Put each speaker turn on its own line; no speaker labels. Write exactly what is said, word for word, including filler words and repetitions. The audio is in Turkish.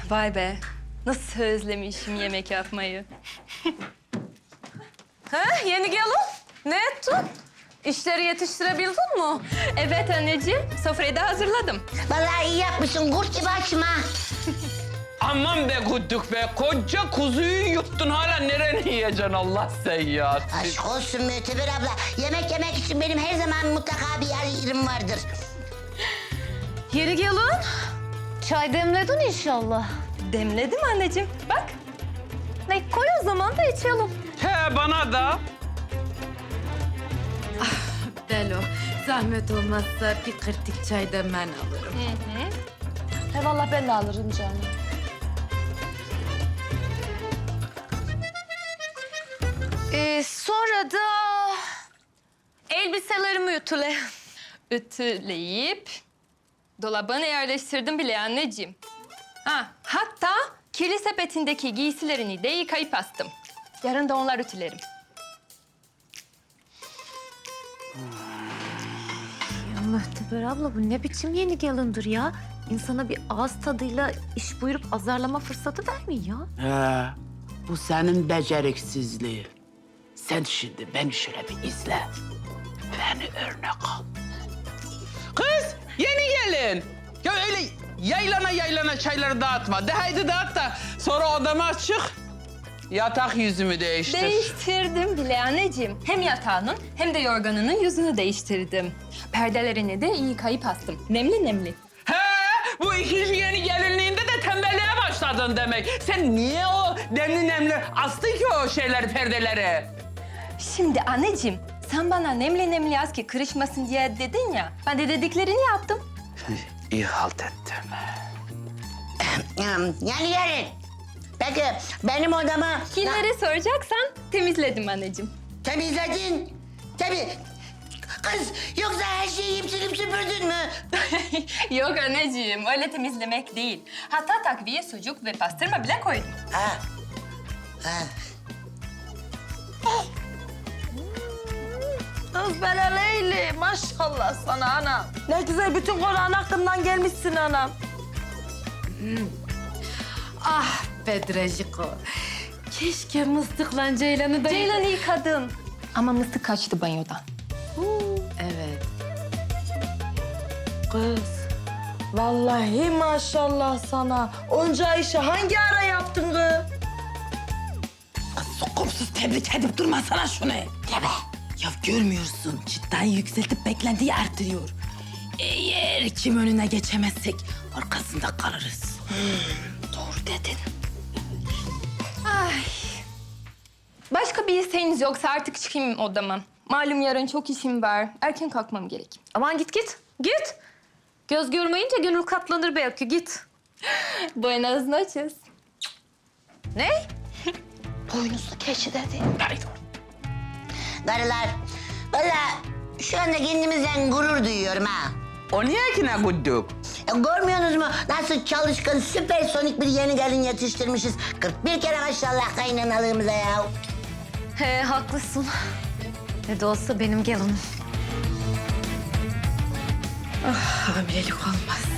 Vay be. Nasıl özlemişim yemek yapmayı.
Ha, yeni gelin. Ne ettin? İşleri yetiştirebildin mi?
Evet anneciğim, sofrayı da hazırladım.
Vallahi iyi yapmışsın kurt gibi açma.
Aman be Güddük be. Koca kuzuyu yuttun hala nereni yiyeceksin Allah sen ya.
Aşk olsun Müteber abla. Yemek yemek için benim her zaman mutlaka bir yer yerim vardır.
Yeni gelin.
Çay demledin inşallah.
Demledim anneciğim, bak.
Ne koy o zaman da içelim.
He bana da.
Delo, zahmet olmazsa bir kırtık çay da ben alırım.
He vallahi ben de alırım canım.
Ee, sonra da elbiselerimi ütüle.
Ütüleyip dolabına yerleştirdim bile anneciğim. Ha, hatta kirli sepetindeki giysilerini de yıkayıp astım. Yarın da onlar ütülerim.
Ya Mühteber abla bu ne biçim yeni gelindir ya? İnsana bir ağız tadıyla iş buyurup azarlama fırsatı vermiyor ya.
He, bu senin beceriksizliğin. Sen şimdi beni şöyle bir izle. Beni örnek al.
Kız yeni gelin. Ya öyle yaylana yaylana çayları dağıtma. De haydi dağıt da sonra odama çık. Yatak yüzümü değiştir.
Değiştirdim bile anneciğim. Hem yatağının hem de yorganının yüzünü değiştirdim. Perdelerini de iyi yıkayıp astım. Nemli nemli.
He, bu ikinci yeni gelinliğinde de tembelliğe başladın demek. Sen niye o nemli nemli astın ki o şeyleri, perdeleri?
Şimdi anneciğim, sen bana nemli nemli yaz ki kırışmasın diye dedin ya. Ben de dediklerini yaptım.
İyi halt ettin.
Yani yarın. Peki benim odamı
Kimleri soracaksan temizledim anneciğim.
temizledin. Tabii. Kız yoksa her şeyi yiyip silip süpürdün mü?
Yok anneciğim, öyle temizlemek değil. Hatta takviye, sucuk ve pastırma bile koydum.
Ha. Ha.
Kız bela Leyli, maşallah sana anam. Ne güzel bütün Kur'an aklımdan gelmişsin anam.
Ah Bedreciko. Keşke mıstıkla Ceylan'ı da...
Ceylan'ı yıkadım. Ama mıstık kaçtı banyodan.
Evet.
Kız, vallahi maşallah sana. Onca işi hangi ara yaptın kız?
Sokumsuz tebrik edip durmasana şunu. Deme. Ya görmüyorsun, çıtayı yükseltip beklentiyi arttırıyor. Eğer kim önüne geçemezsek arkasında kalırız. Doğru dedin.
Ay. Başka bir isteğiniz yoksa artık çıkayım odama. Malum yarın çok işim var. Erken kalkmam gerek.
Aman git git. Git. Göz görmeyince gönül katlanır belki git.
Buenas noches.
Ne? Boynuzlu keçi dedi.
Darılar. Vallahi şu anda kendimizden gurur duyuyorum ha.
O niye ki ne Güddük?
E, görmüyorsunuz mu? Nasıl çalışkan, süpersonik bir yeni gelin yetiştirmişiz. kırk bir kere maşallah kaynanalığımıza ya.
He haklısın. Ne de olsa benim gelinim.
Hamilelik olmaz.